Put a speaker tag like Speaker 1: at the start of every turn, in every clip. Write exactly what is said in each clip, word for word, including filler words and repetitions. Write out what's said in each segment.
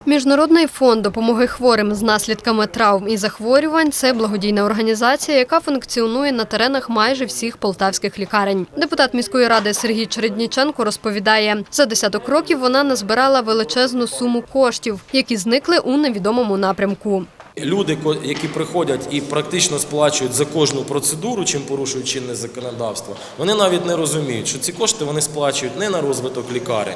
Speaker 1: Міжнародний фонд допомоги хворим з наслідками травм і захворювань – це благодійна організація, яка функціонує на теренах майже всіх полтавських лікарень. Депутат міської ради Сергій Чередніченко розповідає, за десяток років вона назбирала величезну суму коштів, які зникли у невідомому напрямку.
Speaker 2: Люди, які приходять і практично сплачують за кожну процедуру, чим порушують чинне законодавство, вони навіть не розуміють, що ці кошти вони сплачують не на розвиток лікарень,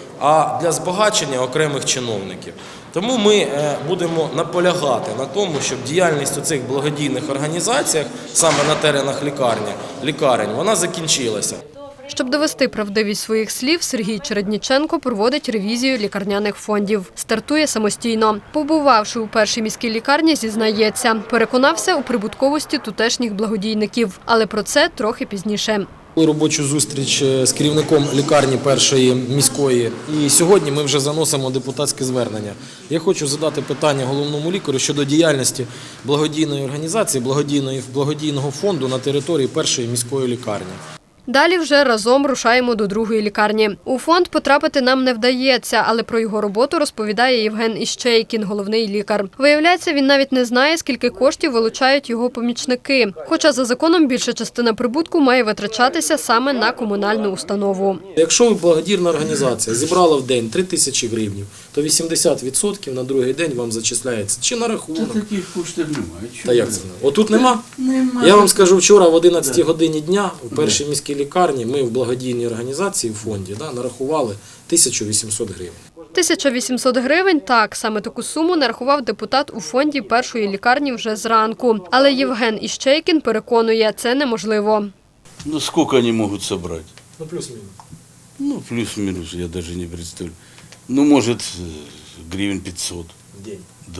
Speaker 2: а для збагачення окремих чиновників. Тому ми будемо наполягати на тому, щоб діяльність у цих благодійних організаціях, саме на теренах лікарні, лікарень, вона закінчилася.
Speaker 1: Щоб довести правдивість своїх слів, Сергій Чередніченко проводить ревізію лікарняних фондів. Стартує самостійно. Побувавши у першій міській лікарні, зізнається, переконався у прибутковості тутешніх благодійників. Але про це трохи пізніше.
Speaker 2: Робочу зустріч з керівником лікарні першої міської. І сьогодні ми вже заносимо депутатське звернення. Я хочу задати питання головному лікарю щодо діяльності благодійної організації, благодійної, благодійного фонду на території першої міської лікарні.
Speaker 1: Далі вже разом рушаємо до другої лікарні. У фонд потрапити нам не вдається, але про його роботу розповідає Євген Іщейкін, головний лікар. Виявляється, він навіть не знає, скільки коштів вилучають його помічники. Хоча за законом більша частина прибутку має витрачатися саме на комунальну установу.
Speaker 2: Якщо благодійна організація зібрала в день три тисячі гривень, то вісімдесят відсотків на другий день вам зачисляється чи на рахунок.
Speaker 3: Та таких коштів немає.
Speaker 2: Та як це? Отут нема?
Speaker 3: Немає.
Speaker 2: Я вам скажу, вчора в одинадцятій годині дня у першій міській лікарні ми в благодійній організації в фонді да, нарахували тисячу вісімсот гривень.
Speaker 1: тисяча вісімсот гривень – так, саме таку суму нарахував депутат у фонді першої лікарні вже зранку. Але Євген Іщейкін переконує, це неможливо.
Speaker 3: Ну сколько они могут собрать?
Speaker 2: Ну плюс-мінус.
Speaker 3: Ну плюс-минус, я даже не представляю. Ну может гривен пятьсот.
Speaker 2: В день.
Speaker 3: Да.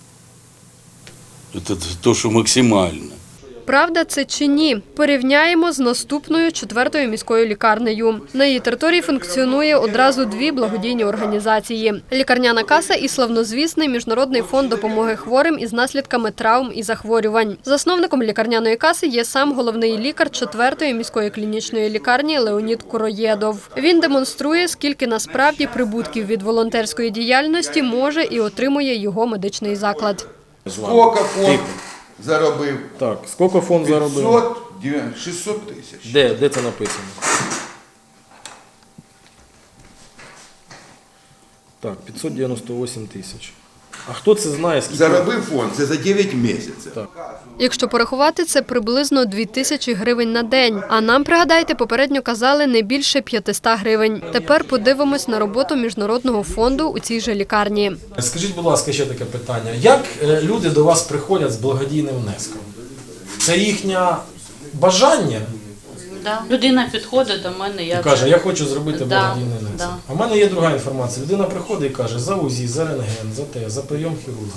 Speaker 3: Это то, что максимально.
Speaker 1: Правда це чи ні? Порівняємо з наступною четвертою міською лікарнею. На її території функціонує одразу дві благодійні організації – лікарняна каса і славнозвісний Міжнародний фонд допомоги хворим із наслідками травм і захворювань. Засновником лікарняної каси є сам головний лікар четвертої міської клінічної лікарні Леонід Куроєдов. Він демонструє, скільки насправді прибутків від волонтерської діяльності може і отримує його медичний заклад.
Speaker 4: Скільки фонд заробив?
Speaker 2: Так, скільки фонд заробив?
Speaker 4: п'ятсот, шістсот тисяч.
Speaker 2: Де, де це написано? Так, п'ятсот дев'яносто вісім тисяч. А хто це знає, скільки?
Speaker 4: Заробив фонд, це за дев'ять місяців.
Speaker 2: Так.
Speaker 1: Якщо порахувати, це приблизно дві тисячі гривень на день. А нам, пригадайте, попередньо казали не більше п'ятсот гривень. Тепер подивимось на роботу Міжнародного фонду у цій же лікарні.
Speaker 2: Скажіть, будь ласка, ще таке питання. Як люди до вас приходять з благодійним внеском? Це їхнє бажання?
Speaker 5: Да. Людина підходить до мене, я
Speaker 2: І каже, я хочу зробити
Speaker 5: Да,
Speaker 2: благодійний внесок.
Speaker 5: да.
Speaker 2: А в мене є друга інформація. Людина приходить і каже, за УЗІ, за рентген, за те, за прийом хірурга.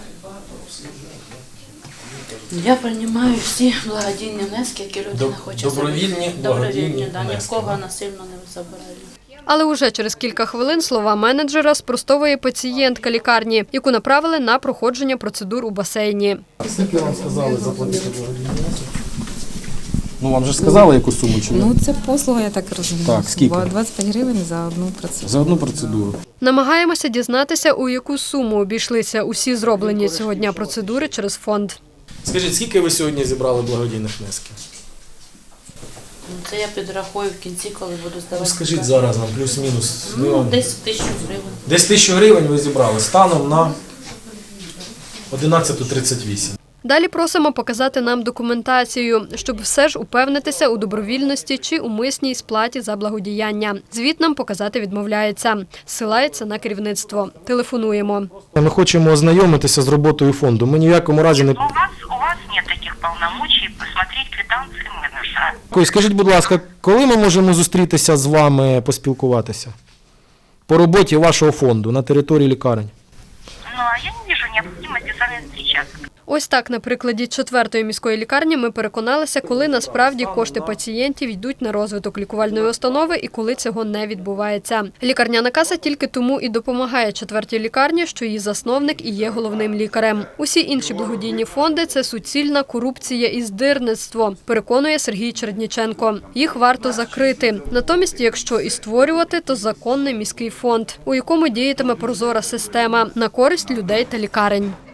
Speaker 5: Я приймаю всі благодійні внески, які людина
Speaker 2: Доб-
Speaker 5: хоче
Speaker 2: добровільні
Speaker 5: зробити.
Speaker 2: благодійні
Speaker 5: Добровільні, да, ні в
Speaker 2: внески,
Speaker 5: кого
Speaker 2: да?
Speaker 5: насильно не забираю.
Speaker 1: Але уже через кілька хвилин слова менеджера спростовує пацієнтка лікарні, яку направили на проходження процедур у басейні.
Speaker 2: Скільки вам сказали заплатити благодійний внесок? Ну, вам же сказали, яку суму чи ні?
Speaker 6: Ну, це послуга, я так розумію.
Speaker 2: Так, скільки?
Speaker 6: двадцять п'ять гривень за одну процедуру.
Speaker 2: За одну процедуру.
Speaker 1: Намагаємося дізнатися, у яку суму обійшлися усі зроблені цього дня процедури через фонд.
Speaker 2: Скажіть, скільки ви сьогодні зібрали благодійних внесків?
Speaker 5: Ну, це я підрахую в кінці, коли буду здавати.
Speaker 2: Ну, скажіть
Speaker 5: карту.
Speaker 2: зараз нам, плюс-мінус. Ми
Speaker 5: Ну,
Speaker 2: вам-
Speaker 5: десь тисячу гривень.
Speaker 2: Десь тисячу гривень ви зібрали станом на одинадцята тридцять вісім.
Speaker 1: Далі просимо показати нам документацію, щоб все ж упевнитися у добровільності чи умисній сплаті за благодіяння. Звіт нам показати відмовляється. Зсилається на керівництво. Телефонуємо.
Speaker 2: Ми хочемо ознайомитися з роботою фонду. Ми ні в якому разі не...
Speaker 7: У вас, у вас нет таких полномочий посмотреть квитанции менеджера.
Speaker 2: Ой, скажіть, будь ласка, коли ми можемо зустрітися з вами, поспілкуватися? По роботі вашого фонду на території лікарень?
Speaker 7: Ну, а я не вижу необходимости с вами встречаться.
Speaker 1: Ось так, на прикладі четвертої міської лікарні ми переконалися, коли насправді кошти пацієнтів йдуть на розвиток лікувальної установи і коли цього не відбувається. Лікарняна каса тільки тому і допомагає четвертій лікарні, що її засновник і є головним лікарем. Усі інші благодійні фонди – це суцільна корупція і здирництво, переконує Сергій Чередніченко. Їх варто закрити. Натомість, якщо і створювати, то законний міський фонд, у якому діятиме прозора система на користь людей та лікарень.